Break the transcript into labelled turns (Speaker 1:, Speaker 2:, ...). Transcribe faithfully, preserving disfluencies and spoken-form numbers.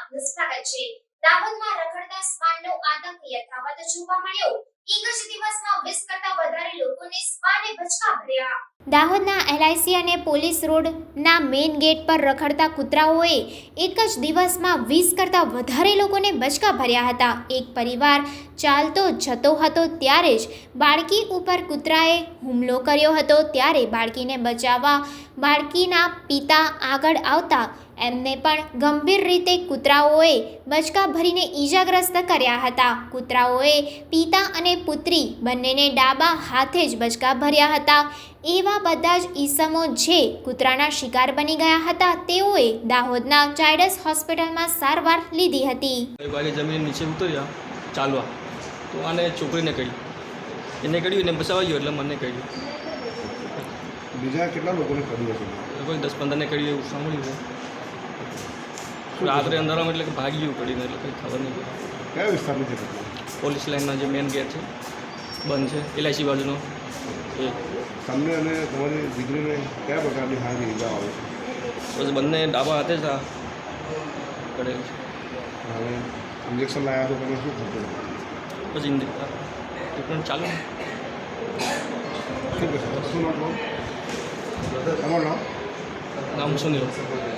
Speaker 1: નિષ્ફળ છે। દાહોદમાં રખડતા શ્વાનનો આતંક યથાવત જોવા મળ્યો। એક જ દિવસમાં વીસ કરતા વધારે લોકોને શ્વાને બચકા ભર્યા। દાહોદના એલઆઈસી અને પોલીસ રોડના મેઇન ગેટ પર રખડતા કૂતરાઓએ એક જ દિવસમાં વીસ કરતા વધારે લોકોને બચકા ભર્યા હતા। એક પરિવાર ચાલતો જતો હતો ત્યારે જ બાળકી ઉપર કૂતરાએ હુમલો કર્યો હતો, ત્યારે બાળકીને બચાવવા બાળકીના પિતા આગળ આવતા એમને પણ ગંભીર રીતે કૂતરાઓએ બચકા ભરીને ઈજાગ્રસ્ત કર્યા હતા। કૂતરાઓએ પિતા અને પુત્રી બંનેને ડાબા હાથે જ બચકા ભર્યા હતા। એવા બધા જ ઈસમો જે કૂતરાના શિકાર બની ગયા હતા તેઓએ દાહોદના ચાઇલ્ડ્સ હોસ્પિટલમાં સારવાર લીધી હતી।
Speaker 2: વાલી જમીન નીચે ઉતર્યા ચાલવા તો આને છોકરીને કહી એને કર્યું એને બચાવવા ગયો એટલે મને કહ્યું।
Speaker 3: બીજા કેટલા લોકોને કર્યું હશે?
Speaker 2: કોઈ દસ પંદરને કર્યું એવું સાંભળ્યું છે। રાત્રે અંધારામાં એટલે કે ભાગી ગયું કરીને એટલે કંઈ ખબર નહીં પડે।
Speaker 3: કયા વિસ્તારની છે ઘટના?
Speaker 2: પોલીસ લાઇનના જે મેઇન ગેટ છે બંધ છે એલઆઈસી બાજુનો એ
Speaker 3: તમને અને તમારી દીકરીને કયા પ્રકારની હાની ઈજા આવે છે?
Speaker 2: બસ બંને ડાબા હાથે જ આ કરેલું છે।
Speaker 3: હવે ઇન્જેક્શન લાવ્યા તો તમે શું થતું?
Speaker 2: પછી ટ્રીટમેન્ટ ચાલુ ને।
Speaker 3: શું કહેશો? શું નામ? તમારું નામ?
Speaker 2: નામ શું નહીં